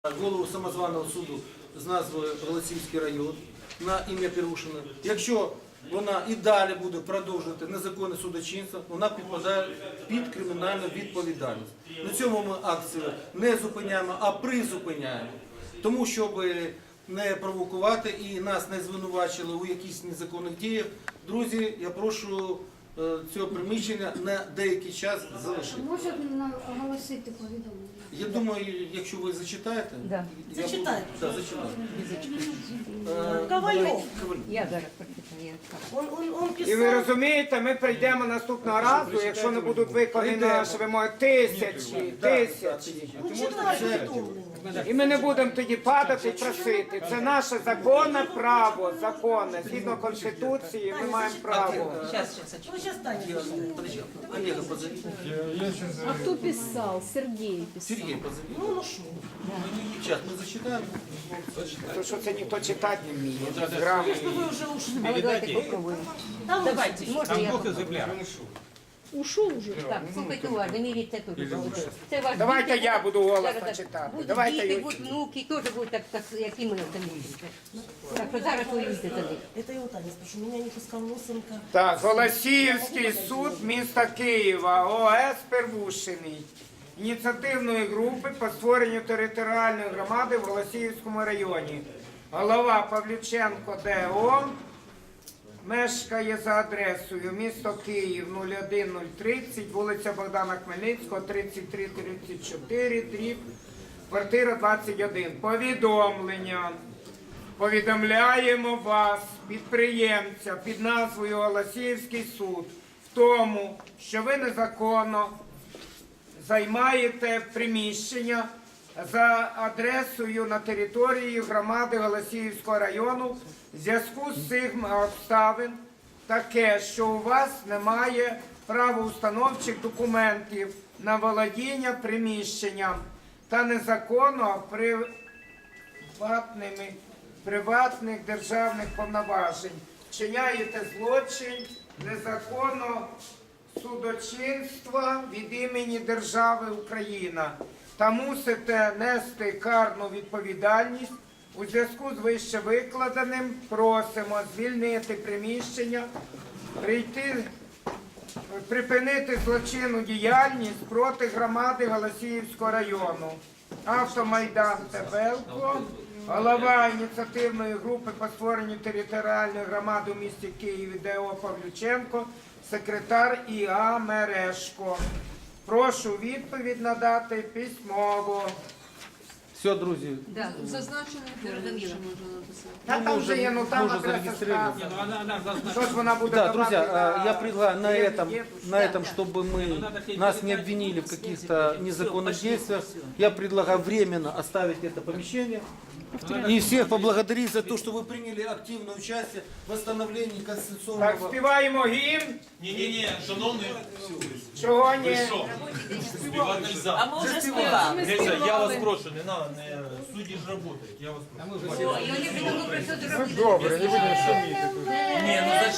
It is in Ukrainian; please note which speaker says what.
Speaker 1: Голову самозваного суду з назвою Голосіївський район на ім'я Перушина. Якщо вона і далі буде продовжувати незаконне судочинство, вона підпадає під кримінальну відповідальність. На цьому ми акцію не зупиняємо, а призупиняємо. Тому, щоб не провокувати і нас не звинувачили у якихось незаконних діях, друзі, я прошу цього приміщення на деякий час залишити.
Speaker 2: Може оголосити повідомлення?
Speaker 1: Я думаю, якщо ви зачитаєте,
Speaker 3: Да.
Speaker 1: я буду-
Speaker 4: Зачитайте.
Speaker 1: Да, зачитаю.
Speaker 4: Ковальов.
Speaker 3: Я зараз прочитаю.
Speaker 4: Он
Speaker 5: І ви
Speaker 4: писал.
Speaker 5: розумієте, ми прийдемо наступного разу, якщо не будуть виконані наші вимоги, тисячі.
Speaker 4: Ну, читайте повідомлення.
Speaker 5: І ми не будемо тоді падати і просити. Це наше законне право, законне. Згідно Конституції ми маємо право.
Speaker 4: Ну, сейчас Таня.
Speaker 1: Подожди, Олега позови.
Speaker 6: А кто писал? Сергей писал.
Speaker 1: Сергей позови.
Speaker 4: Ну, что?
Speaker 1: Сейчас мы зачитаем.
Speaker 5: Тому що це ніхто читати не вміє. Грамотно.
Speaker 4: Вы уже ушли.
Speaker 3: Але давайте попробуємо.
Speaker 4: Там
Speaker 3: Давайте, можна я попробую?
Speaker 6: Ушел уже.
Speaker 3: Так, слухайте уважно, міріть це тут. Це ваш
Speaker 5: Давайте
Speaker 3: діти.
Speaker 5: я буду голосно
Speaker 3: Зараз так.
Speaker 5: читати.
Speaker 3: Будуть
Speaker 5: Давайте
Speaker 3: діти,
Speaker 5: я-
Speaker 3: будуть внуки, теж будуть так, як і ми самі. Так що зараз воюйте за них.
Speaker 4: Это я у Тани спрошу. Меня не пускал Лосенко.
Speaker 5: Так, Голосіївський суд міста Києва, ОС Первушиний. Ініціативної групи по створенню територіальної громади в Голосіївському районі. Голова Павлюченко ДО мешкає за адресою місто Київ 01030, вулиця Богдана Хмельницького, 3334, дріб, квартира 21. Повідомлення. Повідомляємо вас, підприємця, під назвою Голосіївський суд, в тому, що ви незаконно займаєте приміщення за адресою на території громади Голосіївського району в зв'язку з цим обставин таке, що у вас немає правоустановчих документів на володіння приміщенням та незаконно приватних державних повноважень. Вчиняєте злочин незаконного судочинства від імені держави Україна та мусите нести карну відповідальність. У зв'язку з вище викладеним просимо звільнити приміщення, припинити злочинну діяльність проти громади Голосіївського району. Автомайдан Тебелко, голова ініціативної групи по створенню територіальної громади у місті Києві ДО Павлюченко, секретар ІА Мережко. Прошу відповідь надати письмово.
Speaker 1: Все, друзі.
Speaker 3: Да.
Speaker 6: Зазначений
Speaker 3: Зрозуміло.
Speaker 6: можна написати.
Speaker 5: Та там вже є, ну там
Speaker 1: Може,
Speaker 5: адреса
Speaker 1: зареєстровано.
Speaker 5: сказана. Що ж вона буде
Speaker 1: Да,
Speaker 5: давати
Speaker 1: друзья,
Speaker 5: на-
Speaker 1: я предлагаю на
Speaker 5: дедушку?
Speaker 1: этом, чтобы нас не обвинили в каких-то незаконных действиях, я предлагаю временно оставить это помещение и всех поблагодарить за то, что вы приняли активное участие в восстановлении
Speaker 5: Так,
Speaker 1: конституционного...
Speaker 5: співаємо гімн.
Speaker 7: Ні, шановний,
Speaker 5: Чого ні?
Speaker 7: що? Співати нельзя.
Speaker 4: А мы уже спевали.
Speaker 7: Дивіться, я вас прошу, не надо, судді ж працюють, я вас прошу.
Speaker 3: О, і вони придумали про що зробити.
Speaker 5: Добре, не будемо.
Speaker 7: Ні, ну